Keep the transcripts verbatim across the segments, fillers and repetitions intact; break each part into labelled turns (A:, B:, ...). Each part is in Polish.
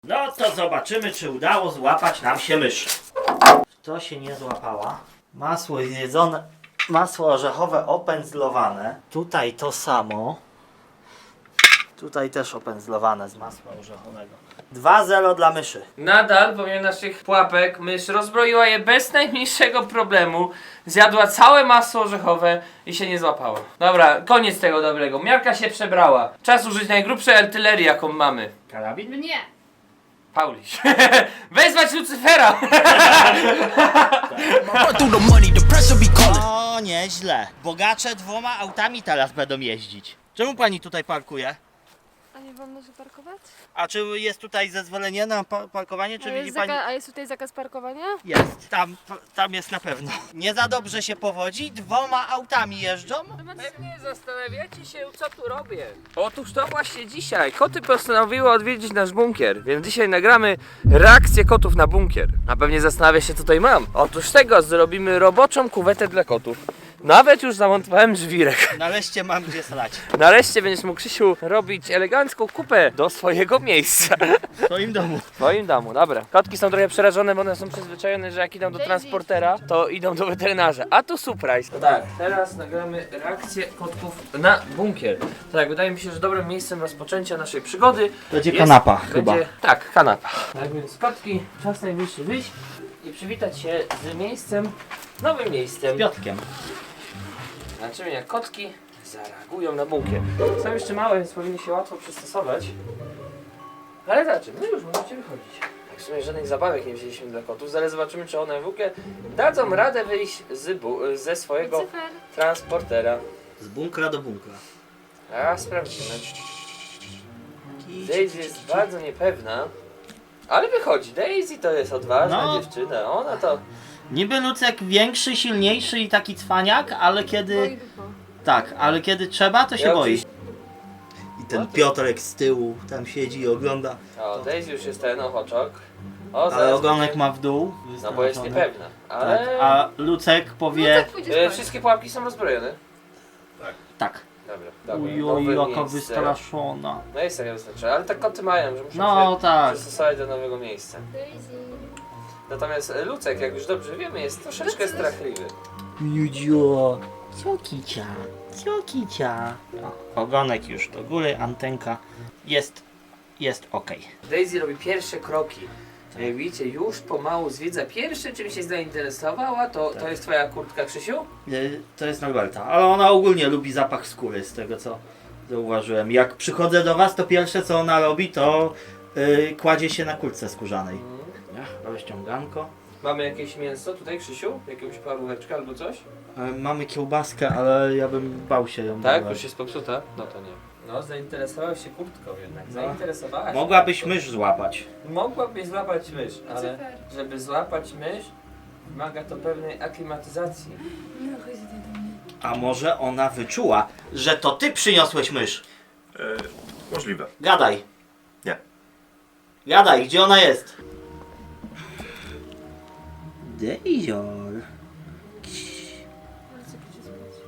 A: No to zobaczymy, czy udało złapać nam się mysz. To się nie złapała. Masło zjedzone, masło orzechowe opędzlowane. Tutaj to samo. Tutaj też opędzlowane z masła orzechowego. dwa zero dla myszy.
B: Nadal, pomimo naszych pułapek, mysz rozbroiła je bez najmniejszego problemu. Zjadła całe masło orzechowe i się nie złapała. Dobra, koniec tego dobrego. Miarka się przebrała. Czas użyć najgrubszej artylerii, jaką mamy.
A: Karabin?
C: Nie.
B: Pauliś. Wezwać Lucyfera!
A: O, nieźle. Bogacze dwoma autami teraz będą jeździć. Czemu pani tutaj parkuje?
C: A nie wolno się parkować?
A: A czy jest tutaj zezwolenie na pa parkowanie, czy
C: A
A: widzi
C: jest,
A: pani?
C: zaka- a jest tutaj zakaz parkowania?
A: Jest, tam, tam jest na pewno. Nie za dobrze się powodzi, dwoma autami jeżdżą.
B: Pewnie zastanawiacie się, co tu robię. Otóż to właśnie dzisiaj. Koty postanowiły odwiedzić nasz bunkier, więc dzisiaj nagramy reakcję kotów na bunkier. A pewnie zastanawia się, co tutaj mam. Otóż tego zrobimy roboczą kuwetę dla kotów. Nawet już zamontowałem żwirek.
A: Nareszcie mam gdzie slać.
B: Nareszcie będziesz mógł, Krzysiu, robić elegancką kupę do swojego miejsca.
A: W swoim domu.
B: W swoim domu, dobra. Kotki są trochę przerażone, bo one są przyzwyczajone, że jak idą do
C: Daisy.
B: transportera, to idą do weterynarza. A tu surprise. Tak, teraz nagramy reakcję kotków na bunkier. Tak, wydaje mi się, że dobrym miejscem rozpoczęcia naszej przygody
A: Będzie
B: jest-
A: kanapa
B: będzie,
A: chyba.
B: Tak, kanapa. Tak więc kotki, czas najwyższy wyjść i przywitać się z miejscem, nowym miejscem.
A: Piotkiem.
B: Zobaczymy, jak kotki zareagują na bunkier. Są jeszcze małe, więc powinny się łatwo przystosować. Ale zobaczymy, no już możecie wychodzić. Tak w sumie żadnych zabawek nie wzięliśmy dla kotów, zaraz zobaczymy, czy one w ogóle dadzą radę wyjść z bu- ze swojego
C: Lucyfer.
B: transportera.
A: Z bunkra do bunkra.
B: A sprawdzimy. Daisy jest bardzo niepewna, ale wychodzi. Daisy to jest odważna
A: No.
B: dziewczyna, ona to...
A: Niby Lucek większy, silniejszy i taki cwaniak, ale
C: Boi
A: kiedy...
C: dupa.
A: Tak, ale kiedy trzeba, to się
B: Ja
A: boi.
B: oczywiście-
A: I ten Piotrek z tyłu tam siedzi i ogląda.
B: O, Daisy już jest ten ochoczok. O,
A: Ale
B: zaraz
A: ogonek
B: będzie-
A: ma w dół.
B: No bo jest
A: wystraszony.
B: niepewna, ale...
A: Tak, a Lucek powie...
C: Lucek pójdzie
B: E,
C: spać.
B: wszystkie pułapki są rozbrojone.
A: Tak.
B: Dobra, dobra.
A: Ujoj,
B: nowe
A: jaka
B: miejsce.
A: wystraszona.
B: No jest taka wystarczy, ale tak koty mają, że muszą
A: No
B: się
A: tak.
B: przystosować do nowego miejsca.
C: Daisy.
B: Natomiast e, Lucek, jak już dobrze wiemy, jest troszeczkę
C: Lucek.
B: strachliwy.
A: Judzio, co kicia, co kicia. O, ogonek już do góry, antenka jest, jest ok.
B: Daisy robi pierwsze kroki. Jak widzicie, już pomału zwiedza. Pierwsze, czym się zainteresowała, to, to jest twoja kurtka, Krzysiu?
A: To jest Norberta, ale ona ogólnie lubi zapach skóry, z tego co zauważyłem. Jak przychodzę do was, to pierwsze co ona robi, to yy, kładzie się na kurtce skórzanej. Ja, rozciąganko.
B: Mamy jakieś mięso tutaj, Krzysiu? Jakąś paróweczkę albo coś?
A: Yy, mamy kiełbaskę, ale ja bym bał się ją
B: Tak,
A: dawać.
B: już jest popsuta? No to nie. No, zainteresował się kurtką jednak.
A: No.
B: Zainteresowała się.
A: Mogłabyś mysz złapać.
B: Mogłabyś złapać mysz, ale
C: Lucyfer.
B: żeby złapać mysz, wymaga to pewnej aklimatyzacji.
C: No chodź tutaj do mnie.
A: A może ona wyczuła, że to ty przyniosłeś mysz?
D: E, możliwe.
A: Gadaj.
D: Nie.
A: Gadaj, gdzie ona jest? Dejzior.
C: Lucek pójdzie spać.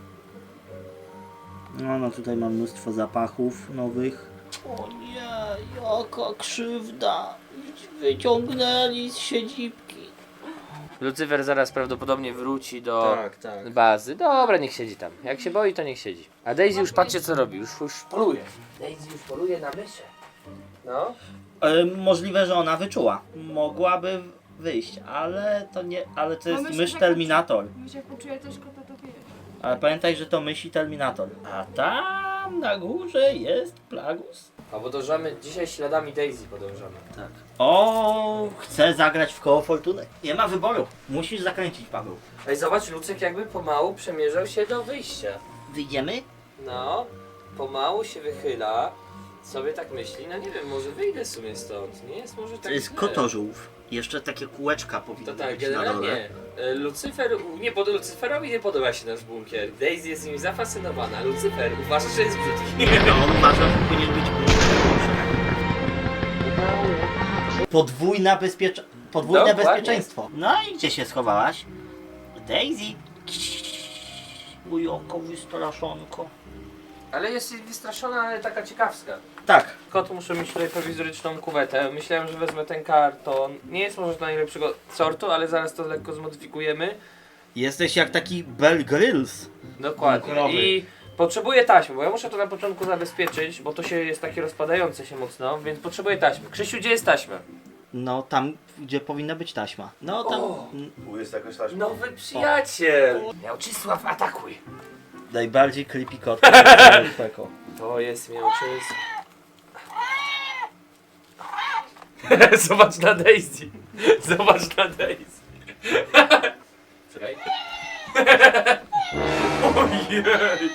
A: No, no tutaj mam mnóstwo zapachów nowych. O nie, jaka krzywda. Wyciągnęli z siedzibki.
B: Lucyfer zaraz prawdopodobnie wróci do
A: tak.
B: bazy. Dobra, niech siedzi tam. Jak się boi, to niech siedzi. A Daisy już patrzcie co robi, już, już poluje. Daisy już poluje na myszę. No.
A: E, możliwe, że ona wyczuła. Mogłaby wyjść, ale to nie, ale to jest
C: myślę,
A: mysz
C: że-
A: Terminator.
C: Myś jak poczuje też kota, to wie.
A: Ale pamiętaj, że to mysz i Terminator. A tam na górze jest Plagus.
B: A podążamy dzisiaj śladami Daisy podążamy.
A: Tak. O, chcę zagrać w koło fortuny. Nie ma wyboru. Musisz zakręcić, Paweł.
B: Ej, zobacz, Lucek jakby pomału przemierzał się do wyjścia.
A: Wyjdziemy?
B: No, pomału się wychyla. Sobie tak myśli, no nie wiem, może wyjdę w sumie stąd. Nie jest może tak
A: To jest
B: źle.
A: kotożółw. Jeszcze takie kółeczka powinny
B: To tak,
A: być na dole.
B: generalnie e, Lucyfer, nie pod, Lucyferowi nie podoba się nasz bunkier. Daisy jest nim zafascynowana. Lucyfer uważa, że jest brzydki.
A: No, on uważa, że powinien być podwójna bezpiecz... podwójne
B: Dokładnie.
A: bezpieczeństwo. No i gdzie się schowałaś? Daisy. Ujoko, wystraszonko.
B: Ale jest wystraszona, ale taka ciekawska.
A: Tak.
B: Kot muszę mieć tutaj prowizoryczną kuwetę. Myślałem, że wezmę ten karton. Nie jest może najlepszego sortu, ale zaraz to lekko zmodyfikujemy.
A: Jesteś jak taki Bear Grylls.
B: Dokładnie.
A: Bunkrowy.
B: I potrzebuję taśmy, bo ja muszę to na początku zabezpieczyć, bo to się jest takie rozpadające się mocno, więc potrzebuję taśmy. Krzysiu, gdzie jest taśma?
A: No tam, gdzie powinna być taśma. No tam...
B: O!
A: mm,
D: Tu jest jakaś taśma.
B: Nowy przyjaciel! Miałczysław, atakuj!
A: Najbardziej creepy kot. Peko.
B: To jest Miałczysław. Zobacz na Daisy. Zobacz na Daisy. Czekaj. Ojeju.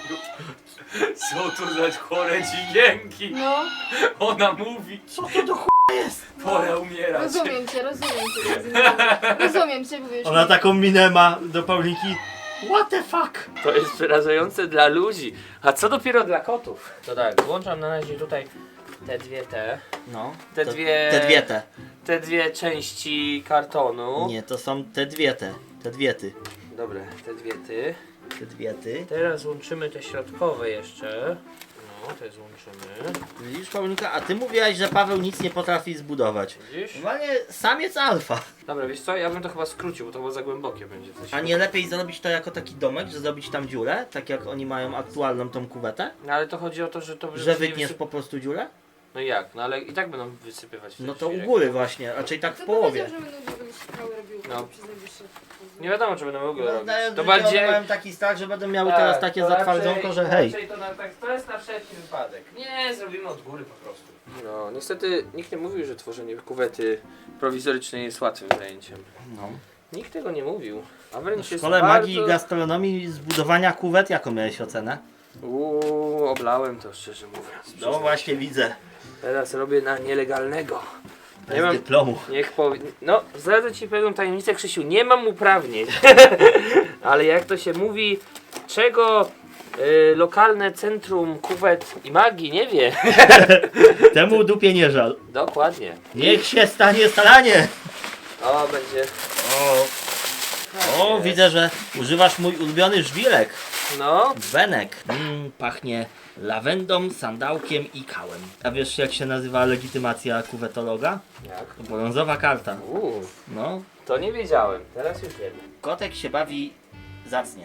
B: Co to za chore dźwięki?
C: No,
B: Ona mówi.
A: Co to do ch...
B: Pora umierać.
C: rozumiem cię, rozumiem cię. Rozumiem, rozumiem cię, mówisz.
A: Ona taką minę ma do Paulinki. What the fuck?
B: To jest przerażające dla ludzi. A co dopiero dla kotów? To tak, włączam na razie tutaj te dwie te.
A: No.
B: Te
A: to,
B: dwie-
A: Te dwie te.
B: Te dwie części kartonu.
A: Nie, to są te dwie te. Te dwie ty.
B: Dobra, te dwie ty.
A: Te dwie ty.
B: Teraz łączymy te środkowe jeszcze. No, te złączymy.
A: Widzisz, Paulinka, a ty mówiłaś, że Paweł nic nie potrafi zbudować.
B: Widzisz?
A: Normalnie samiec alfa.
B: Dobra, wiesz co, ja bym to chyba skrócił, bo to chyba za głębokie będzie. Coś.
A: A nie lepiej zrobić to jako taki domek, że zrobić tam dziurę, tak jak oni mają aktualną tą kuwetę?
B: No ale to chodzi o to, że to...
A: Że
B: się nie
A: wytniesz
B: wysyp-
A: po prostu dziurę?
B: No jak? No ale i tak będą wysypywać.
A: No
B: ten
A: to u
B: świrek.
A: góry właśnie, raczej tak w
C: Kto
A: połowie.
C: powiedział, że będą dziury szkoły robiły
B: No.
C: przez najbliższe...
B: Nie wiadomo, czy będą mogły
A: No,
B: robić.
A: daję,
B: To
A: że
B: bardziej...
A: mają taki strach, że będą miały
B: Tak,
A: teraz takie
B: to
A: zatwardzonko,
B: raczej-
A: że hej.
B: raczej To, na, tak, to jest na wszelki wypadek. Nie, zrobimy od góry po prostu. No, niestety nikt nie mówił, że tworzenie kuwety prowizorycznej jest łatwym zajęciem.
A: No.
B: Nikt tego nie mówił. A wręcz
A: W
B: jest
A: szkole
B: bardzo...
A: magii i gastronomii zbudowania kuwet, jaką miałeś ocenę?
B: Uuu, oblałem to szczerze mówiąc.
A: No właśnie widzę.
B: Teraz robię na nielegalnego.
A: Bez
B: Nie mam...
A: dyplomu.
B: Niech powie... No, zdradzę ci pewną tajemnicę, Krzysiu. Nie mam uprawnień. Ale jak to się mówi, czego y, lokalne centrum kuwet i magii nie wie.
A: Temu dupie nie żal.
B: Dokładnie.
A: Niech się stanie staranie.
B: O, będzie.
A: O, o widzę, że używasz mój ulubiony żwirek.
B: No,
A: Benek. Mm, pachnie lawendą, sandałkiem i kałem. A wiesz jak się nazywa legitymacja kuwetologa?
B: jak?
A: Brązowa karta.
B: Uuu,
A: No,
B: to nie wiedziałem. Teraz już wiem.
A: kotek się bawi zacnie.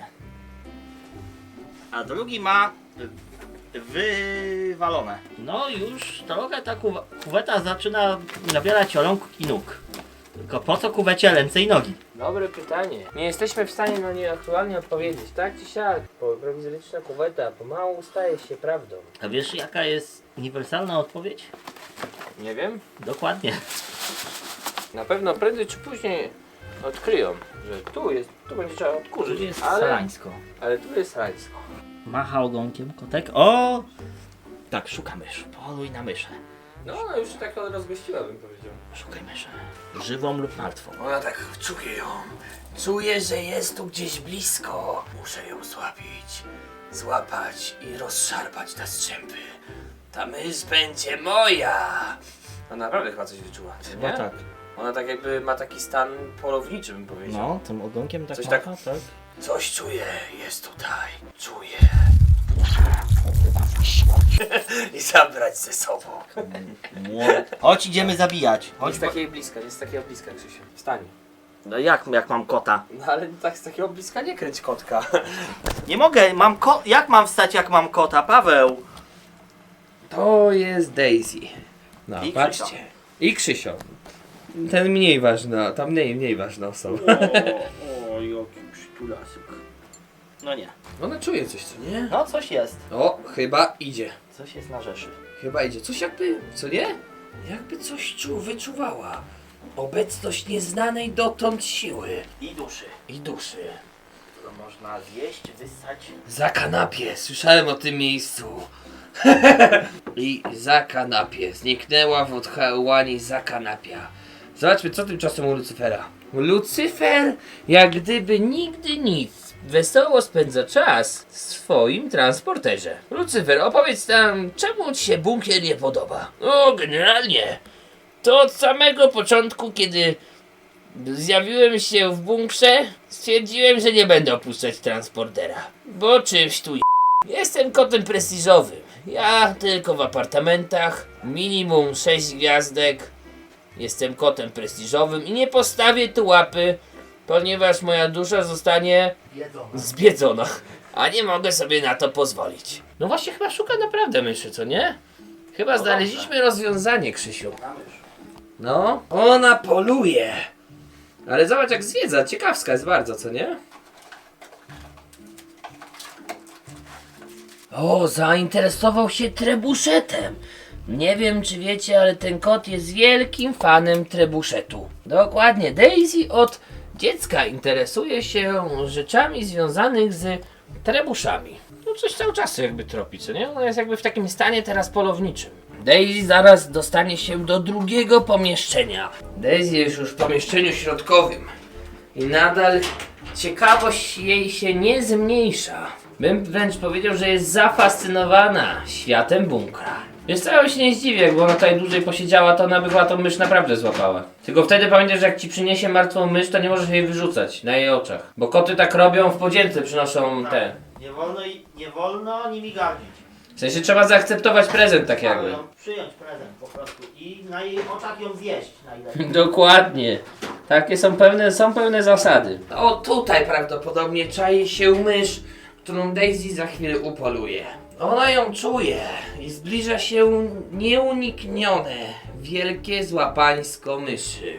A: A drugi ma y, wywalone. No już trochę ta kuwa- kuweta zaczyna nabierać rąk i nóg. Tylko po co kuwecie ręce i nogi?
B: Dobre pytanie. Nie jesteśmy w stanie na nie aktualnie odpowiedzieć. Tak czy siak, bo prowizoryczna kuweta pomału staje się prawdą.
A: A wiesz jaka jest uniwersalna odpowiedź?
B: Nie wiem.
A: Dokładnie.
B: Na pewno prędzej czy później odkryją, że tu jest, tu będzie trzeba
A: Tu
B: odkurzyć.
A: jest
B: ale,
A: sarańsko.
B: ale tu jest rańsko.
A: Macha ogonkiem kotek. O! Tak, szuka mysz. Poluj na myszę.
B: No, ona już tak rozgościła, bym powiedział.
A: Szukaj myszy. Żywą lub martwą.
B: Ona tak czuje ją. Czuję, że jest tu gdzieś blisko. Muszę ją złapić, złapać i rozszarpać na strzępy. Ta mysz będzie moja. Ona naprawdę chyba coś wyczuła, nie?
A: Chyba tak.
B: Ona tak jakby ma taki stan polowniczy, bym powiedział.
A: No, tym ogonkiem tak
B: Coś
A: macha,
B: tak-
A: tak?
B: Coś czuję, jest tutaj. Czuję. I zabrać ze sobą.
A: Chodź, idziemy zabijać.
B: Nie
A: Chodź,
B: z takiej bliska, nie z takiego bliska, Krzysiu. Wstań.
A: No jak, jak mam kota?
B: No ale tak z takiego bliska nie kręć kotka.
A: Nie mogę, mam ko... Jak mam wstać, jak mam kota, Paweł?
B: To jest Daisy. No,
A: I
B: patrzcie.
A: Krzysio.
B: I Krzysio. Ten mniej ważna, ta mniej, mniej ważna osoba.
A: O, o jaki przytulasek. No nie.
B: Ona czuje coś, co nie?
A: No, coś jest.
B: O, chyba idzie.
A: Coś jest na rzeszy.
B: Chyba idzie. Coś jakby, co nie? Jakby coś czu, wyczuwała. Obecność nieznanej dotąd siły
A: I duszy.
B: i duszy.
A: To można zjeść, wyssać.
B: Za kanapie, słyszałem o tym miejscu. I za kanapie. Zniknęła w odchałani za kanapia. Zobaczmy, co tymczasem u Lucyfera. Lucyfer, jak gdyby nigdy nic, wesoło spędza czas w swoim transporterze. Lucyfer, opowiedz nam, czemu ci się bunkier nie podoba? O, generalnie, to od samego początku, kiedy zjawiłem się w bunkrze, stwierdziłem, że nie będę opuszczać transportera. Bo czymś tu Jestem kotem prestiżowym. Ja tylko w apartamentach, minimum sześć gwiazdek. Jestem kotem prestiżowym i nie postawię tu łapy, ponieważ moja dusza zostanie zbiedzona, a nie mogę sobie na to pozwolić. No właśnie, chyba szuka naprawdę myszy, co nie? Chyba znaleźliśmy rozwiązanie, Krzysiu. No, ona poluje. Ale zobacz jak zwiedza, ciekawska jest bardzo, co nie? O, zainteresował się trebuszetem. Nie wiem czy wiecie, ale ten kot jest wielkim fanem trebuszetu. Dokładnie, Daisy od dziecka interesuje się rzeczami związanymi z trebuszami. No coś cały czas jakby tropi, co nie? Ona jest jakby w takim stanie teraz polowniczym. Daisy zaraz dostanie się do drugiego pomieszczenia. Daisy jest już w pomieszczeniu środkowym. I nadal ciekawość jej się nie zmniejsza. Bym wręcz powiedział, że jest zafascynowana światem bunkra. Wiesz co, ja się nie zdziwię, jakby ona tutaj dłużej posiedziała, to ona by chyba tą mysz naprawdę złapała. Tylko wtedy pamiętaj, że jak ci przyniesie martwą mysz, to nie możesz jej wyrzucać na jej oczach. Bo koty tak robią, w podzięce przynoszą te.
A: Nie wolno, i- nie wolno nimi gardzić.
B: W sensie trzeba zaakceptować prezent tak jakby.
A: Ją przyjąć prezent po prostu i na jej oczach ją zjeść najlepiej.
B: Dokładnie. Takie są pewne, są pewne zasady. O, tutaj prawdopodobnie czai się mysz, którą Daisy za chwilę upoluje. Ona ją czuje i zbliża się nieuniknione wielkie złapańsko myszy.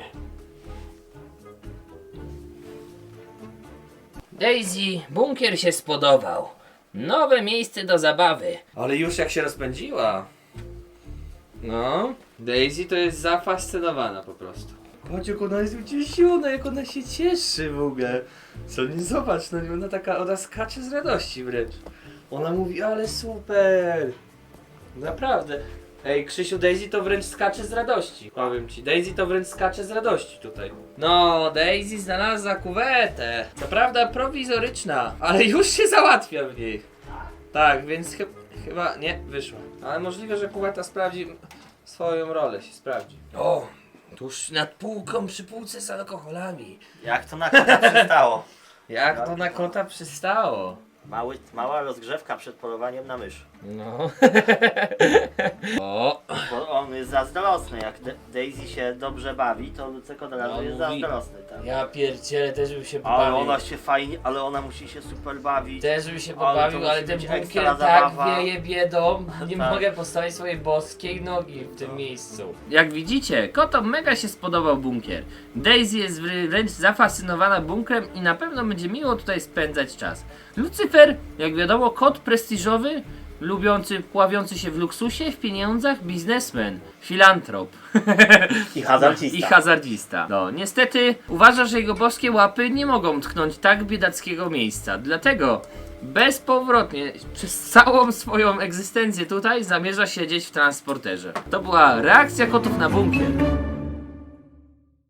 B: Daisy, bunkier się spodobał. Nowe miejsce do zabawy. Ale już jak się rozpędziła. No, Daisy to jest zafascynowana po prostu. Patrz jak ona jest ucieszona, jak ona się cieszy w ogóle. Co nie zobacz, no ona taka, ona skacze z radości wręcz. Ona mówi, ale super. Naprawdę. Ej, Krzysiu, Daisy to wręcz skacze z radości. Powiem ci, Daisy to wręcz skacze z radości tutaj. No, Daisy znalazła kuwetę. Co prawda prowizoryczna, ale już się załatwia w niej. Tak, więc chy chyba nie wyszło. Ale możliwe, że kuweta sprawdzi swoją rolę, się sprawdzi. O, tuż nad półką przy półce z alkoholami.
A: Jak to na kota przystało.
B: Jak to na kota przystało.
A: Mały, mała rozgrzewka przed polowaniem na mysz.
B: No. O.
A: Bo on jest zazdrosny. Jak Da- Daisy się dobrze bawi, to Lucek od razu
B: No,
A: jest
B: mówi-
A: zazdrosny. Tak?
B: Ja pierdzielę, też bym się
A: Ale
B: pobawił.
A: ona się fajnie, ale ona musi się super bawić.
B: Też bym się
A: Ale to
B: pobawił,
A: musi
B: ale ten
A: być
B: bunkier
A: ekstra
B: tak
A: zabawa.
B: wieje biedą, nie
A: Tak.
B: mogę postawić swojej boskiej nogi w tym miejscu. Jak widzicie, kotom mega się spodobał bunkier. Daisy jest wrę- wręcz zafascynowana bunkrem i na pewno będzie miło tutaj spędzać czas. Lucyfer, jak wiadomo, kot prestiżowy, lubiący, pławiący się w luksusie, w pieniądzach, biznesmen, filantrop.
A: I hazardzista.
B: I hazardzista. No, niestety uważa, że jego boskie łapy nie mogą tknąć tak biedackiego miejsca. Dlatego bezpowrotnie przez całą swoją egzystencję tutaj zamierza siedzieć w transporterze. To była reakcja kotów na bunkier.